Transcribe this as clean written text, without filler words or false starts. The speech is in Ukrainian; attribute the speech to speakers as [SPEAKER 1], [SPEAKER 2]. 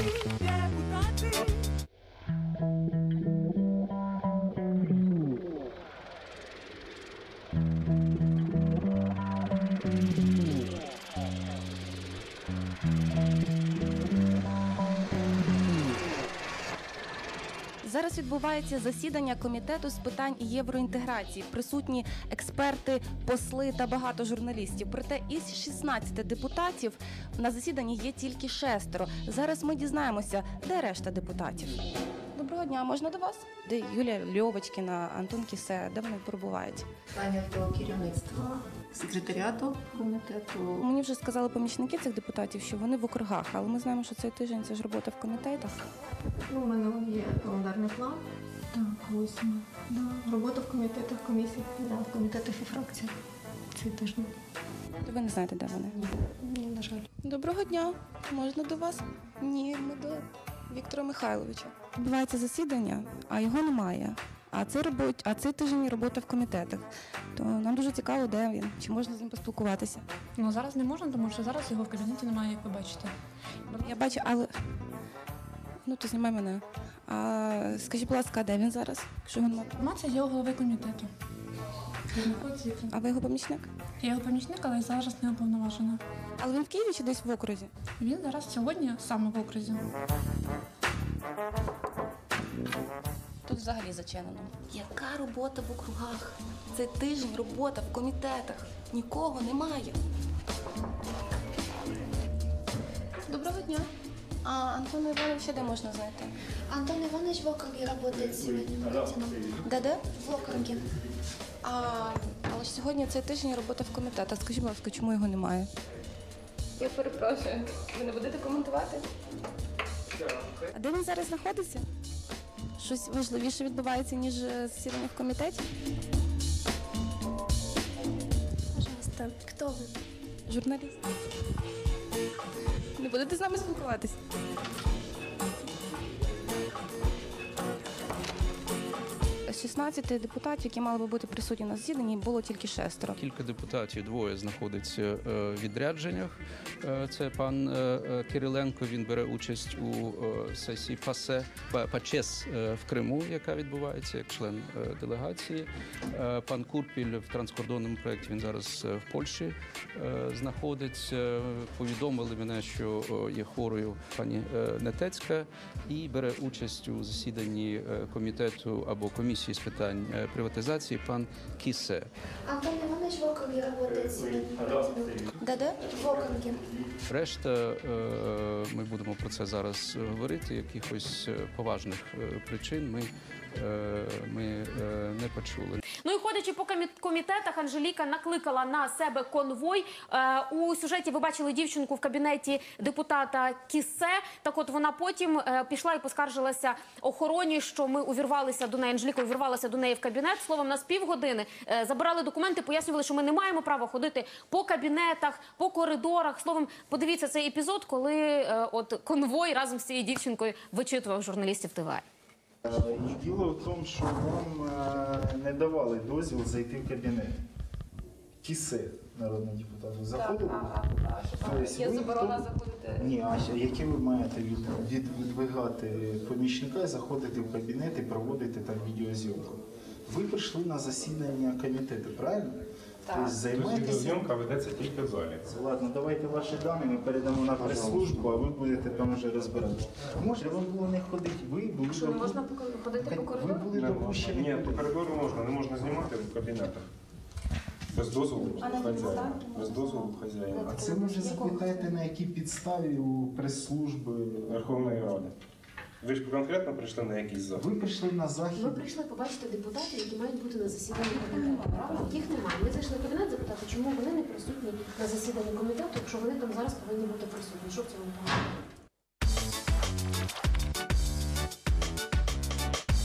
[SPEAKER 1] Зараз відбувається засідання Комітету з питань євроінтеграції. Присутні експерти, посли та багато журналістів. Проте із 16 депутатів на засіданні є тільки 6. Зараз ми дізнаємося, де решта депутатів. Доброго дня, можна до вас? Де Юлія Льовочкіна, Антон Кісе, де вони перебувають?
[SPEAKER 2] Питання до керівництва, секретаріату комітету.
[SPEAKER 1] Мені вже сказали помічники цих депутатів, що вони в округах, але ми знаємо, що цей тиждень це ж робота в комітетах.
[SPEAKER 2] У мене є календарний план. Так, 8. Да. Робота в комітетах, комісіях, в комітетах і фракціях цей тиждень.
[SPEAKER 1] То ви не знаєте, де вони?
[SPEAKER 2] Ні, на жаль.
[SPEAKER 1] Доброго дня. Можна до вас? Ні, ми до Віктора Михайловича. Відбувається засідання, а його немає. А цей тиждень робота в комітетах. То нам дуже цікаво, де він. Чи можна з ним поспілкуватися?
[SPEAKER 3] Ну, зараз не можна, тому що зараз його в кабінеті немає, як ви бачите.
[SPEAKER 1] Я бачу, але... Ну, то знімай мене. А скажіть, будь ласка, де він зараз? Якщо він...
[SPEAKER 3] Інформація є у голови комітету.
[SPEAKER 1] А ви його помічник?
[SPEAKER 3] Я його помічник, але зараз не уповноважена.
[SPEAKER 1] Але він в Києві чи десь в окрузі?
[SPEAKER 3] Він зараз сьогодні саме в окрузі.
[SPEAKER 1] Тут взагалі зачинено. Яка робота в округах? Цей тиждень робота в комітетах. Нікого немає. Доброго дня. А Антона Івановича де можна знайти?
[SPEAKER 4] Антон Иванович в округе работает сегодня.
[SPEAKER 1] Де?
[SPEAKER 4] В округе.
[SPEAKER 1] Але ж сьогодні цей тиждень робота в комітетах. Скажіть, будь ласка, чому його немає? Я перепрошую. Ви не будете коментувати? А де він зараз знаходиться? Щось важливіше відбувається, ніж засідання в комітеті?
[SPEAKER 4] Пожалуйста, кто вы?
[SPEAKER 1] Журналіст. Не будете з нами спілкуватись? З 16 депутатів, які мали би бути присутні на засіданні, було тільки 6.
[SPEAKER 5] Кілька депутатів, двоє знаходиться в відрядженнях. Це пан Кириленко, він бере участь у сесії ПАЧЕС в Криму, яка відбувається як член делегації. Пан Курпіль в транскордонному проєкті, він зараз в Польщі знаходиться. Повідомили мене, що є хворою пані Нетецька і бере участь у засіданні комітету або комісії з питань приватизації пан Кісе.
[SPEAKER 4] Антон Иванович в округе работает сегодня.
[SPEAKER 1] Де?
[SPEAKER 4] В округе.
[SPEAKER 5] Решта, ми будемо про це зараз говорити, якихось поважних причин ми не почули.
[SPEAKER 6] Ну і ходячи по комітетах, Анжеліка накликала на себе конвой. У сюжеті ви бачили дівчинку в кабінеті депутата Кісе. Так от вона потім пішла і поскаржилася охороні, що ми увірвалися до неї, Анжеліка увірвалася до неї в кабінет. Словом, нас півгодини забирали документи, пояснювали, що ми не маємо права ходити по кабінетах, по коридорах. Словом, подивіться цей епізод, коли от конвой разом з цією дівчинкою вичитував журналістів ТВА.
[SPEAKER 7] І діло в тому, що вам не давали дозвіл зайти в кабінет. Кісе, народний депутат, заходили?
[SPEAKER 1] Є заборона заходити?
[SPEAKER 7] Ні, а які ви маєте відвигати помічника, заходити в кабінет і проводити там відеозйомку? Ви прийшли на засідання комітету, правильно? Тобто
[SPEAKER 8] відеозйомка ведеться тільки в залі.
[SPEAKER 7] Ладно, давайте ваші дані, ми передамо на прес-службу, а ви будете там вже розбиратися. Може, вам було не ходити, ви були...
[SPEAKER 6] Що, не можна ходити по коридору?
[SPEAKER 7] Ви були допущені...
[SPEAKER 8] Ні, по коридору можна, не можна знімати в кабінетах. Без дозволу хазяїна. Без дозволу хазяїна.
[SPEAKER 7] А це може запитайте, на якій підставі у прес-служби
[SPEAKER 8] Верховної Ради. Ви ж конкретно прийшли на якийсь захід?
[SPEAKER 7] Ви прийшли на захід.
[SPEAKER 9] Ми прийшли побачити депутатів, які мають бути на засіданні комітету. Їх немає. Ми зайшли в кабінет запитати, чому вони не присутні на засіданні комітету, якщо вони там зараз повинні бути присутні. Що в цьому поганого?